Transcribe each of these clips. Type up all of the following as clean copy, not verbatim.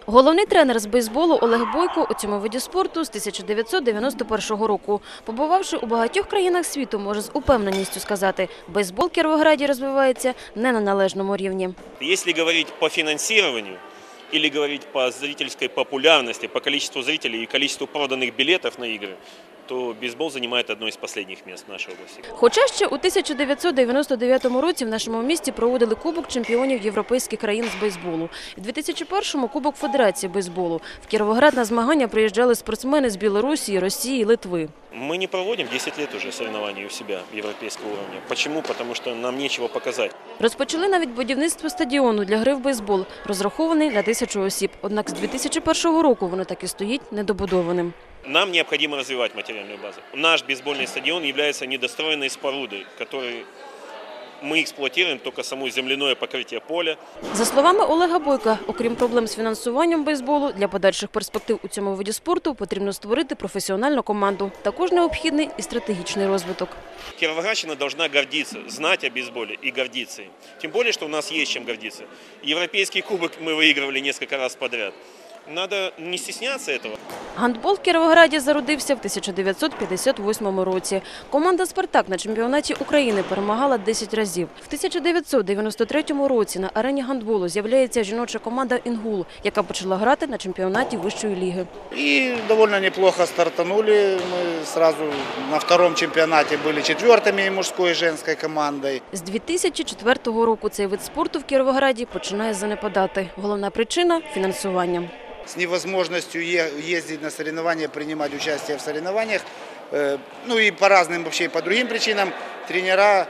Головний тренер з бейсболу Олег Бойко у цьому виді спорту з 1991 року. Побувавши у багатьох країнах світу, може з упевненістю сказати, бейсбол в Кіровограді розвивається не на належному рівні. Якщо говорити по фінансуванню, или говорить по зрительской популярности, по количеству зрителей и количеству проданных билетов на игры, то бейсбол занимает одно из последних мест в нашей области. Хоча ще у 1999 році в нашому місті проводили Кубок чемпіонів європейських країн з бейсболу. У 2001-му – Кубок Федерації бейсболу. В Кіровоград на змагання приїжджали спортсмени з Білорусі, Росії, Литви. Мы не проводим 10 лет уже соревнований у себя европейского уровня. Почему? Потому что нам нечего показать. Розпочали навіть будівництво стадіону для гри в бейсбол, розрахований на 1000 осіб. Однак з 2001 року воно так і стоїть недобудованим. Нам необходимо развивать материальную базу. Наш бейсбольный стадион является недостроенной спорудой, который мы эксплуатируем только само земляное покрытие поля. За словами Олега Бойка, окрім проблем з фінансуванням бейсболу, для подальших перспектив у цьому виді спорту потрібно створити професіональну команду. Також необхідний і стратегічний розвиток. Кировоградщина должна гордиться, знать о бейсболе и гордиться им. Тем более, что у нас есть чем гордиться. Европейский кубок мы выигрывали несколько раз подряд. Надо не стесняться этого. Гандбол в Кіровограді зародився в 1958 році. Команда «Спартак» на чемпіонаті України перемагала 10 разів. В 1993 році на арені гандболу з'являється жіноча команда «Інгул», яка почала грати на чемпіонаті вищої ліги. И довольно неплохо стартанули. Мы сразу на втором чемпионате были четвертыми мужской и женской командой. З 2004 року цей вид спорту в Кіровограді починає занепадати. Головна причина – фінансування. С невозможностью ездить на соревнования, принимать участие в соревнованиях, ну и по разным вообще, по другим причинам, тренера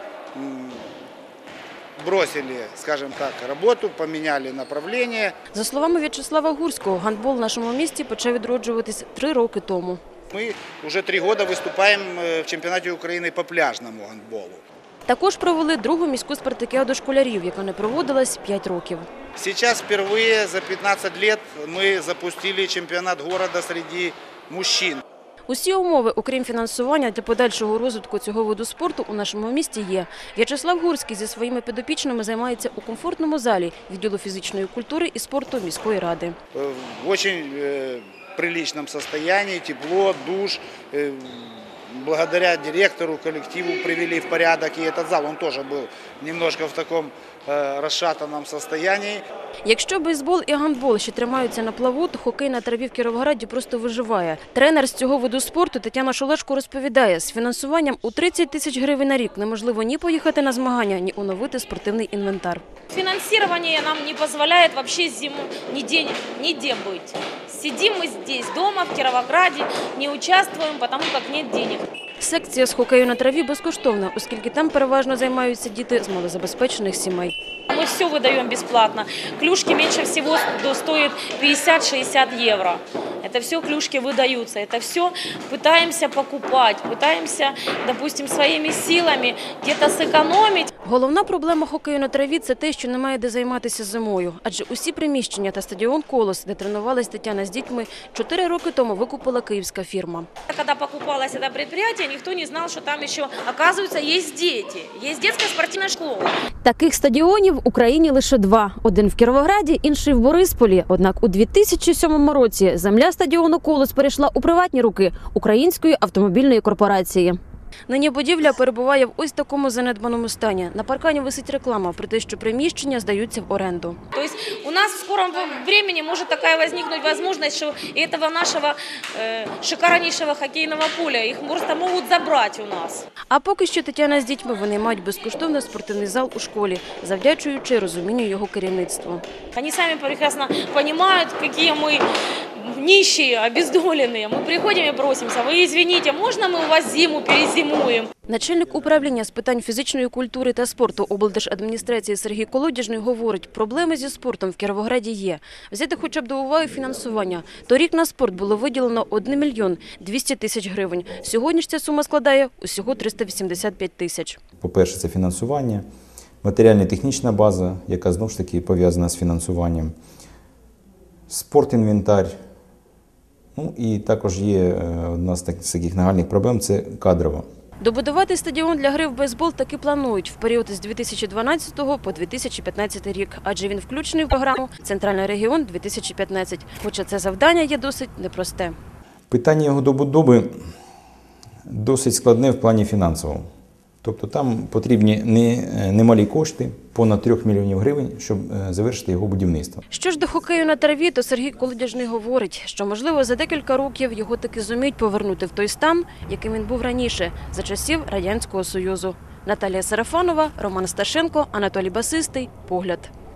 бросили, скажем так, работу, поменяли направление. За словами В'ячеслава Гурського, гандбол в нашому місті почав відроджуватись 3 роки тому. Мы уже 3 года выступаем в чемпионате Украины по пляжному гандболу. Також провели другу міську спартакіаду школярів, яка не проводилась 5 років. Сейчас впервые за 15 лет мы запустили чемпионат города среди мужчин. Усі умови, окрім фінансування, для подальшого розвитку цього виду спорту у нашому місті є. В'ячеслав Гурський зі своїми підопічними займається у комфортному залі відділу фізичної культури і спорту міської ради. В очень приличном состоянии, тепло, душ. Благодаря директору, коллективу привели в порядок и этот зал. Он тоже был немножко в таком розшатаному состоянии. Якщо бейсбол і гандбол ще тримаються на плаву, то хокей на траві в Кіровограді просто виживає. Тренер з цього виду спорту Тетяна Шулешко розповідає, з фінансуванням у 30 тисяч гривень на рік неможливо ні поїхати на змагання, ні оновити спортивний інвентар. Финансирование нам не позволяет вообще зиму нигде быть. Сидим мы здесь, дома, в Кировограде, не участвуем, потому как нет денег. Секція з хокею на траві безкоштовна, оскільки там переважно займаються діти з малозабезпечених сімей. Мы все выдаем бесплатно. Клюшки меньше всего стоят 50-60 евро. Это все клюшки выдаются. Это все пытаемся покупать, пытаемся, допустим, своими силами где-то сэкономить. Головна проблема хокею на траві – це те, що немає де займатися зимою. Адже усі приміщення та стадіон «Колос», де тренувалась Тетяна з дітьми, 4 роки тому викупила київська фірма. Когда покупалось это предприятие, никто не знал, что там еще, оказывается, есть дети. Есть детская спортивная школа. Таких стадіонів в Україні лише 2. Один в Кіровограді, інший в Борисполі. Однак у 2007 році земля стадіону «Колос» перейшла у приватні руки Української автомобільної корпорації. Нині будівля перебуває в ось такому занедбаному стані. На паркані висить реклама про те, що приміщення здаються в оренду. Тобто у нас в скором времени може така возникнути можливість, що цього нашого шикарнішого хокейного поля їх просто можуть забрати у нас. А поки що Тетяна з дітьми винаймають безкоштовний спортивний зал у школі, завдячуючи розумінню його керівництва. Вони самі прекрасно розуміють, які ми нищие, обездоленные. Мы приходим и просимся: вы извините, можно мы у вас зиму перезимуем? Начальник управління з питань фізичної культури та спорту облдержадміністрації Сергій Колодяжний говорить, проблеми зі спортом в Кіровограді є. Взяти хоча б до уваги фінансування. Торік на спорт було виділено 1 мільйон 200 тисяч гривень. Сьогодні ж ця сума складає усього 385 тисяч. По-перше, це фінансування, матеріально-технічна база, яка знову ж таки пов'язана з фінансуванням, спортінвентар. Ну і також є одна з таких нагальних проблем – це кадрова. Добудувати стадіон для гри в бейсбол таки планують в період з 2012 по 2015 рік, адже він включений в програму «Центральний регіон 2015», хоча це завдання є досить непросте. Питання його добудови досить складне в плані фінансовому. Тобто там потрібні немалі кошти, понад 3 мільйонів гривень, щоб завершити його будівництво. Що ж до хокею на траві, то Сергій Колодяжний говорить, що, можливо, за декілька років його таки зуміють повернути в той стан, яким він був раніше, за часів Радянського Союзу. Наталія Сарафанова, Роман Сташенко, Анатолій Басистий. Погляд.